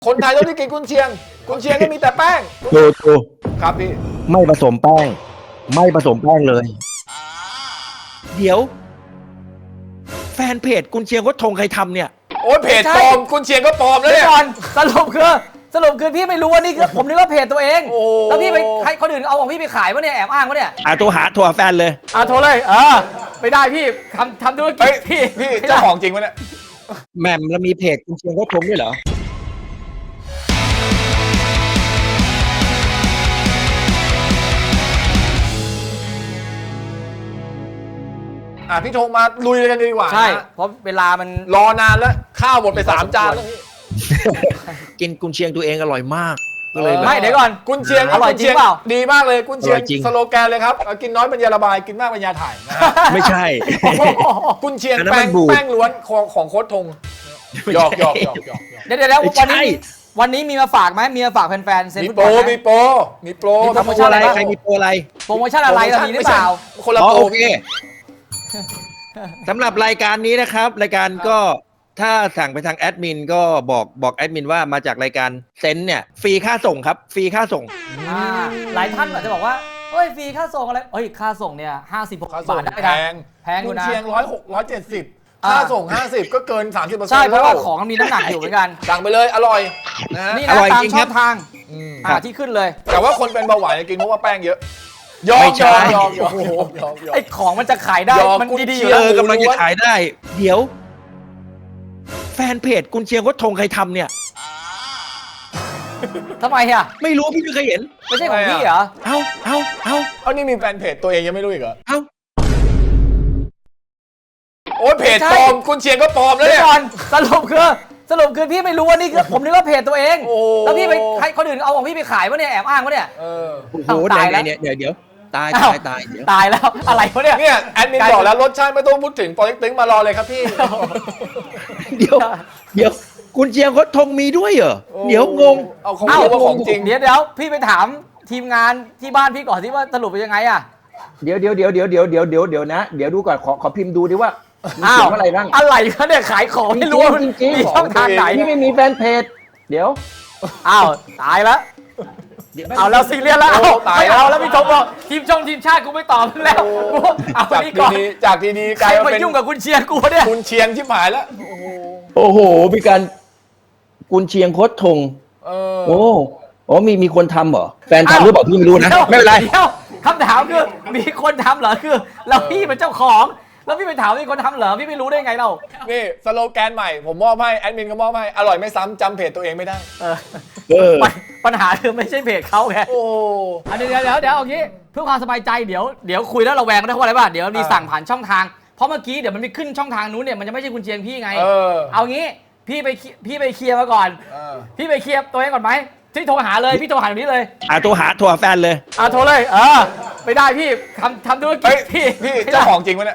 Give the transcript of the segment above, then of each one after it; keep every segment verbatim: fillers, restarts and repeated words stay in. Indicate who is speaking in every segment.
Speaker 1: คนไทยต้องได้กินกุนเชียงกุนเชียงก็มีแต่แป้ง
Speaker 2: ดูดู
Speaker 1: ครับพี่
Speaker 2: ไม่ผสมแป้งไม่ผสมแป้งเลย
Speaker 3: เดี๋ยวแฟนเพจกุนเชียงวัดธงใครทำเนี่ย
Speaker 1: โอ้ยเพจปลอมกุนเชียงก็ปลอมแล้วเนี่ย
Speaker 4: ก่อนสรุปคือสรุปคือพี่ไม่รู้ว่านี่คือผมนึกว่าเพจตัวเองแล้วพี่ไปให้คนอื่นเอาของพี่ไปขายวะเนี่ยแอบอ้างวะเนี่ย
Speaker 3: อ่ะโทรหาโทรหาแฟนเลย
Speaker 4: อ่ะโทรเลยเออไม่ได้พี่ทำทำธุรกิจพี่
Speaker 1: พี่เจ้าของจริงวะเนี่ย
Speaker 3: แหม่มแล้วมีเพจกุนเชียงวัดธงด้วยเหรอ
Speaker 1: อ่ะพี่ธงมาลุยกันดีกว่า
Speaker 4: ใช่เพราะเวลามัน
Speaker 1: รอนานแล้วข้าวหมดไปสามจานแล้วพี่
Speaker 3: กินกุนเชียงตัวเองอร่อยมาก
Speaker 4: ก็เลยไม่เดี๋ยวก่อน
Speaker 1: กุนเชียง
Speaker 4: อร่อยจริงเปล่า
Speaker 1: ดีมากเลยกุนเชียงสโลแกนเลยครับกินน้อยปัญญาระบายกินมากปัญญาถ่าย
Speaker 3: ไม่ใช่
Speaker 1: กุนเชียงแป้งแป้งล้วนของของโค้ชธงหยอกหยอกหยอกหยอก
Speaker 4: เดี๋ยวเดี๋ยววันนี้วันนี้มีมาฝากไหมมีมาฝากแฟนๆเซน
Speaker 1: มี
Speaker 4: ฟุต
Speaker 1: โป
Speaker 4: บ
Speaker 1: ร
Speaker 4: อล
Speaker 1: มีโปรมีโปร
Speaker 3: โปรโมชั่นอะไรใครมีโปรอะไร
Speaker 4: โปรโมชั่นอะไรเรามีหรือเปล่า
Speaker 1: คนละโปร
Speaker 3: โอเคสำหรับรายการนี้นะครับรายการก็ถ้าสั่งไปทางแอดมินก็บอกบอกแอดมินว่ามาจากรายการเซนเนี่ยฟรีค่าส่งครับฟรีค่าส่ง
Speaker 4: หลายท่านอาจจะบอกว่าเฮ้ยฟรีค่าส่งอะไรเฮ้ยค่าส่งเนี่ยห้าสิบหกบาทได้
Speaker 1: แพ
Speaker 4: งแพงอยู่นะ
Speaker 1: กุนเชียงร้อยหกร้อยเจ็ดสิบค่าส่งห้าสิบก็เกินสามสิบเปอร์เซ็นต์
Speaker 4: ใช่เพราะว่าของมันมีน้ำหนักอยู่เหมือนกัน
Speaker 1: สั่งไปเลยอร่อยนะ
Speaker 4: นี่นะตามช่องทางที่ขึ้นเลย
Speaker 1: แต่ว่าคนเป็นเบาหวานกินเพราะว่าแป้งเยอะยอมยอมยอมยอมยอม
Speaker 4: ไอ้ของมันจะขายได้มันดีๆอยู่
Speaker 3: เออกำลังจะขายได้เดี๋ยวแฟนเพจกุนเชียงวัดธงใครทำเนี่ย
Speaker 4: ทำไมอ่ะ
Speaker 3: ไม่รู้พี่ไม่เคยเห็น
Speaker 4: ไม่ใช่ของพี่เหรอ
Speaker 3: เอ้าเอ้าเอ้า
Speaker 1: เอานี่มีแฟนเพจตัวเองยังไม่รู้อีกเหรอ
Speaker 3: เอ้า
Speaker 1: โอ้ยเพจปลอมกุนเชียงก็ปลอมแล้วเนี่ย
Speaker 4: ก่อนสรุปคือสรุปคือพี่ไม่รู้ว่านี่คือผมนึกว่าเพจตัวเองแล้วพี่ไปให้คนอื่นเอาของพี่ไปขายวะเนี่ยแอบอ้างวะเนี่ย
Speaker 3: โอ้โหตายแล้วเนี่ยเดี๋ยวเดี๋ยวตายตายตายเดี๋ยว
Speaker 4: ตายแล้วอะไรวะเนี่ย
Speaker 1: เนี่ยแอดมินบอกแล้วรสชาติไม่ต้องพูดถึงปอเล็กตึงมารอเลยครับพี่
Speaker 3: เดี๋ยวเดี๋ยวกุนเชียงวัดธงมีด้วยเหรอเดี๋ยวงง
Speaker 1: เอาของจริงว่าของจริง
Speaker 4: เดี๋ยวเดี๋ยวพี่ไปถามทีมงานที่บ้านพี่ก่อนที่ว่าสรุปเป็นยังไงอ่ะ
Speaker 2: เดี๋ยวเดี๋ยวเดี๋ยวเดี๋ยวเดี๋ยวเดี๋ยวเดี๋ยวเดี๋ยวนะเดี๋ยวดูก่อนขอขอพิมพ์ดูดิว่า
Speaker 4: อ้าวอะไรบ้างอะไรเขาเนี่ยขายของไม่รู้
Speaker 2: จริงๆมี
Speaker 4: ช่องทางไหน
Speaker 2: ที่ไม่มีแฟนเพจเดี๋ยว
Speaker 4: อ้าวตายแล้วเอาแล้วซีเรียสแล้วตายเอาแล้วพี่ธงบอกทีมช่องทีมชาติกูไม่ตอบแล้วเอาไปนี่ก่อน
Speaker 1: จากทีนี้
Speaker 4: ใครมายุ่งกับกุนเชียงกูเนี่ย
Speaker 1: กุนเชียงชิบหายแล้ว
Speaker 2: โอ้โหมีการกุนเชียงโค้ชธงโอ้โอ้มีมีคนทำเหรอแฟนทำหรือเปล่าพี่ไม่รู้นะไม่เป็นไร
Speaker 4: คำถามคือมีคนทำเหรอคือเราพี่เป็นเจ้าของแล้วพี่ไปถามมีคนทำเหรอพี่ไม่รู้ได้ไงเรา
Speaker 1: นี่สโลแกนใหม่ผมมอบให้แอดมินก็มอบให้อร่อยไม่ซ้ำจำเพจตัวเองไม่ได้
Speaker 4: ปัญหาคือไม่ใช่เพจเขาไงโอ้เดี๋ยวเดี๋ยวเดี๋ยวเอางี้เพื่อความสบายใจเดี๋ยวเดี๋ยวคุยแล้วเราแวงได้เพราะอะไรบ้างเดี๋ยวมีสั่งผ่านช่องทางเพราะเมื่อกี้เดี๋ยวมันมีขึ้นช่องทางนู้นเนี่ยมันจะไม่ใช่กุนเชียงพี่ไงเอางี้พี่ไปพี่ไปเคลียร์มาก่อนพี่ไปเคลียร์ตัวเองก่อนไหมที่โทรหาเลยพี่โทรหาตรงนี้เลย
Speaker 3: อ่ะโทรหาโทรหาแฟนเลย
Speaker 4: อ่ะโทรเลยเออไม่ได้พี่ทำทำธุรกิจพี่
Speaker 1: พี่เจ้าของจริงวะเนี่ย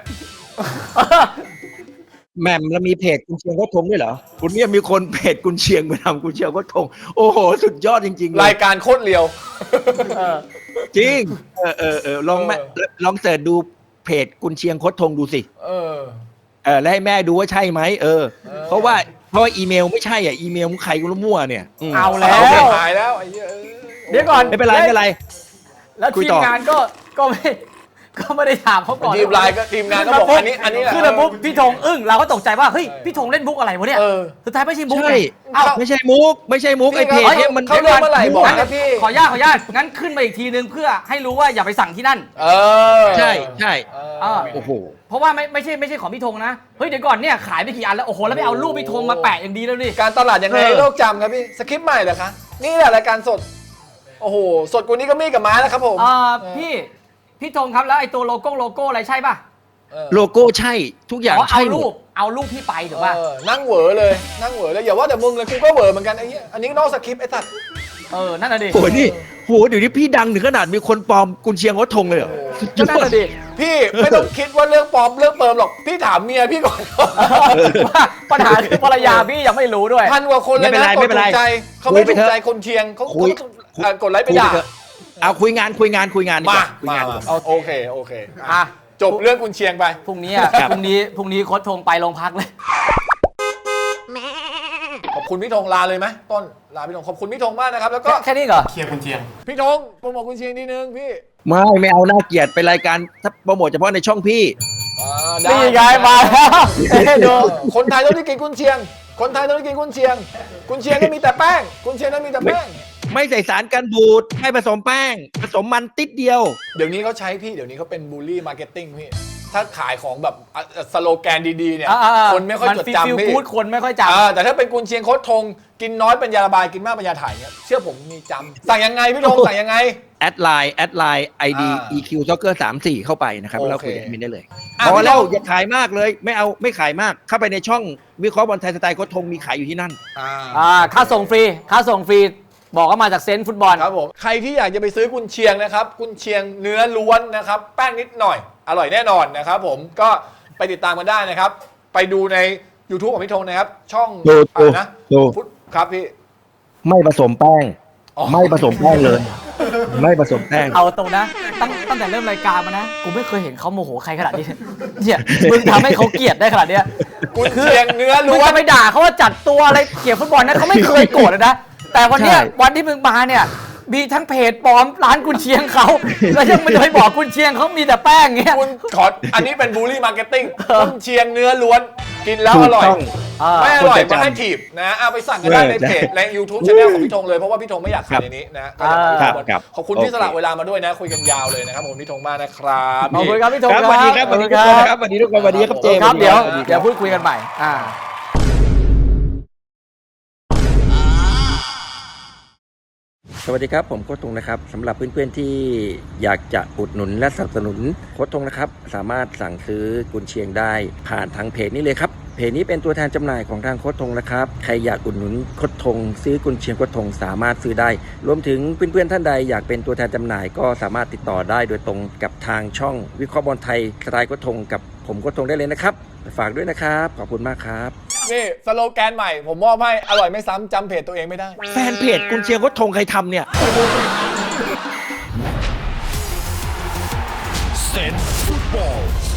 Speaker 3: แหม่มแล้วมีเพจกุนเชียงวัดธงด้วยเหรอคุณเนี่ยมีคนเพจกุนเชียงไปทำกุนเชียงวัดธงโอ้โหสุดยอดจริง
Speaker 1: ๆรายการโคตรเลียว
Speaker 3: จริงเออเออเออลองแม่ลองเสิร์ชดูเพจกุนเชียงวัดธงดูสิเออเออแล้วให้แม่ดูว่าใช่ไหมเออเพราะว่าเพราะว่าอีเมลไม่ใช่อ่ะอีเมลของใครก็มั่วเนี่ย
Speaker 4: เอาแล้ว
Speaker 1: หายแล้วไอ้
Speaker 4: เดี๋ยวก่อน
Speaker 3: ไม่เป็นไรไม่เป็นไร
Speaker 4: แล้วทีมงานก็ก็ไม่ก็ไม่ได้ถามเขาก่อน
Speaker 1: ทีมไลน์ก็ทีมงานก็บอกอันนี้อันนี้แหละ
Speaker 4: คือระบุพี่ธงอึ้งเราก็ตกใจว่าเฮ้ยพี่ธงเล่นมุกอะไรวะเนี่ยสุดท้ายไม่ใช่มุก
Speaker 3: ใช่ไม่ใช่มุกไม่ใช่มุกไอเพจเนี่ยมัน
Speaker 1: เขาเริ่มเมื่อไหร่บอกนะพี่
Speaker 4: ขออนุญาตขออนุญาตงั้นขึ้นมาอีกทีนึงเพื่อให้รู้ว่าอย่าไปสั่งที่นั่น
Speaker 1: เออ
Speaker 3: ใช่ใช่โอ้โห
Speaker 4: เพราะว่าไม่ไม่ใช่ไม่ใช่ของพี่ธงนะเฮ้ยเดี๋ยวก่อนเนี่ยขายไปกี่อันแล้วโอ้โหแล้วไปเอารูปพี่ธงมาแปะอย่างดีแล้วนี่
Speaker 1: การตลาดยังไงโลกจำครับพี่สคริปต์ใหม่เหรอคะนี่แหละรายการสดโอ้โหสดกว่านี้ก็มีกับม้าแล้วครับผม
Speaker 4: อ่าพี่พี่ธงครับแล้วไอ้ตัวโลโก้โลโก้อะไรใช่ป่ะ
Speaker 3: โลโก้ใช่ทุกอย่างใช่
Speaker 4: เอารูปเอารูปพี่ไปถูกป่ะ
Speaker 1: นั่งเหวอเลยนั่งเหวอเลยอย่าว่าแต่มึงเลยกูก็เหวอเหมือนกันไอ้เนี้ยอันนี้นอกสคริปต์ไอ้สัตว์
Speaker 4: เออนั่นน่ะดิ
Speaker 3: โหนี่โหเดี๋ยวนี้พี่ดังถึงขนาดมีคนปลอมกุนเชียงวัดธงเลยเหรอ
Speaker 4: นั่นน่ะดิ
Speaker 1: พี่ไม่ต้องคิดว่าเรื่องปลอมเรื่องเปิมหรอกพี่ถามเมียพี่ก่อน
Speaker 4: ว่าปัญหาคือภรรยาพี่ยังไม่รู้ด้วย
Speaker 1: พันกว่าคนเลยนะกดถูกใจเขาไม่ถูกใจคนเชียงเขากดไลค์ไปด่า
Speaker 3: เอาคุยงานคุยงานคุยงาน
Speaker 1: มาคุยงานโอเคโอเคอ่ะจบเรื่องกุนเชียงไป
Speaker 4: พรุ่งนี้อ่ะพรุ่งนี้พรุ่งนี้โค้ชธงไปโรงพักเลย
Speaker 1: พคุณพี่ธงลาเลยไหมต้นลาพี่ธงขอบคุณพี่ธงมากนะครับแล้วก็
Speaker 4: แค่นี้เหรอ
Speaker 5: เคลียร์คุณเชียง
Speaker 1: พี่ธงโปรโมทคุณเชียงนิดนึงพี่
Speaker 3: ไม่ไม่เอาน่าเกลียดเป็นรายการถ้าโปรโมทเฉพาะในช่องพี่
Speaker 1: อ่าได้
Speaker 4: นี่ไงมาแล้วให้ดู
Speaker 1: คนไทยต้องได้กินกุนเชียง คนไทยต้องได้กินกุนเชียง กุนเชียงก็มีแต่แป้ง กุนเชียงก็มีแต่แป้ง
Speaker 3: ไม่ใส่สารกันบูดไม่ผสมแป้ง ผสมมันติดเดียว
Speaker 1: เดี๋ยวนี้เขาใช้พี่ เดี๋ยวนี้เขาเป็นบูลลี่มาร์เก็ตติ้งพี่ ถ้าขายของแบบอ่ะสโลแกนดีๆเนี่ย
Speaker 4: อ่าๆ
Speaker 1: คนไม่ค่อยจด
Speaker 4: มัน
Speaker 1: จำ
Speaker 4: ฟีล
Speaker 1: พี่
Speaker 4: กู๊ดคนไม่ค่อยจ
Speaker 1: อ่าแต่ถ้าเป็นกุนเชียงโคตรทง กินน้อยเป็นยาระบาย กินมากเป็นยาถ่ายเนี่ย เชื่อผมมีจำสั่งยังไงพี่ธงสั่งยังไง
Speaker 3: แอดไลน์แอดไลน์ไอดี
Speaker 1: อ่า
Speaker 3: อี คิว Soccer สามสี่เข้าไปนะครับ
Speaker 1: โอเค
Speaker 3: แล้วคุยกับแอดมินได้เลย
Speaker 1: อ่ะ
Speaker 3: พอแล้ว
Speaker 1: พี่ธง
Speaker 3: อย่าขายมากเลยไม่เอาไม่ขายมาก เข้าไปในช่องวิเคราะห์บอลไทยสไตล์โค้ชธงมีขายอยู่ที่นั่น
Speaker 1: อ่า
Speaker 4: ำอ่าค่าส่งฟรีค่าส่งฟรีบอกว่ามาจากเซนต์ฟุตบอล
Speaker 1: ครับผมใครที่อยากจะไปซื้อกุนเชียงนะครับกุนเชียงเนื้อล้วนนะครับแป้งนิดหน่อยอร่อยแน่นอนนะครับผมก็ไปติดตามกันได้นะครับ ไปดูใน YouTube ของพี่ธงนะครับ ช่อง
Speaker 3: ดู
Speaker 1: อะไรนะ
Speaker 3: ดู
Speaker 1: ฟุตครับพี่
Speaker 3: ไม่ผสมแป้ง
Speaker 1: อ๋อ
Speaker 3: ไม่ผสมแป้งเลย ไม่ผสมแป้ง
Speaker 4: เอาตรงนะตั้งตั้งแต่เริ่มรายการมานะกูไม่เคยเห็นเขาโมโหใครขนาดนี้เนี่ยมึงทำให้เขาเกลียดได้ขนาดเนี้ย
Speaker 1: กุนเชียงเนื้อ
Speaker 4: มึง
Speaker 1: ล้วน
Speaker 4: จะไปด่าเขาว่าจัดตัวอะไรเกี่ยวกับฟุตบอลนะเขาไม่เคยโกรธเลยนะแต่วันเนี้ย
Speaker 3: ใช่
Speaker 4: วันที่มึงมาเนี่ยมีทั้งเพจปลอมร้านกุนเชียงเขาแล้วยังไม่ได้บอกกุนเชียงเขามีแต่แป้งเงี้ย
Speaker 1: คุณขออันนี้เป็นบูลลี่มาร์เก็ตติ้งกุนเชียงเนื้อล้วนกินแล้ว
Speaker 3: ถู
Speaker 1: อก ร่อย
Speaker 3: ต้อง
Speaker 1: ไม่อร่อย
Speaker 3: คนจะจำ
Speaker 1: มาให้ถีบนะเอาไปสั่งกันได้
Speaker 3: เออ
Speaker 1: ในเพจ
Speaker 3: ใช่
Speaker 1: ใน YouTube channel ของพี่ธงเลยเพราะว่าพี่ธงไม่อยากขายในนี้นะก็อยากให้
Speaker 3: ครับ
Speaker 1: ทุกคน
Speaker 3: ครับ
Speaker 1: ขอบคุณ
Speaker 3: โอเค
Speaker 1: ที่สละเวลามาด้วยนะ คุยกันยาวเลยนะครับผมพี่ธงมากนะครับ
Speaker 4: ขอบคุณครับพี่ธง
Speaker 3: ครับสวัสดีครับสวัสดีทุกคนนะครับสวัสดีทุกคนสวัสดีครับเจมส์
Speaker 4: ครับเดี๋ยว
Speaker 3: สส
Speaker 4: เดี๋ยวพูดคุยกันใหม่อ่า
Speaker 2: สวัสดีครับผมโค้ชธงนะครับสำหรับเพื่อนๆที่อยากจะอุดหนุนและสนับสนุนโค้ชธงนะครับสามารถสั่งซื้อกุนเชียงได้ผ่านทางเพจนี้เลยครับเพจนี้เป็นตัวแทนจำหน่ายของทางโค้ชธงนะครับใครอยากอุดหนุนโค้ชธงซื้อกุนเชียงโค้ชธงสามารถซื้อได้รวมถึงเพื่อนๆท่านใดอยากเป็นตัวแทนจำหน่ายก็สามารถติดต่อได้โดยตรงกับทางช่องวิเคราะห์บอลไทยสไตล์โค้ชธงกับผมโค้ชธงได้เลยนะครับฝากด้วยนะครับขอบคุณมากครับ
Speaker 1: นี่สโลแกนใหม่ผมมอบให้อร่อยไม่ซ้ำจำเพจตัวเองไม่ได้
Speaker 3: แฟนเพจกุนเชียงโค้ชธงใครทำเนี่ย
Speaker 5: เซนฟุตบอล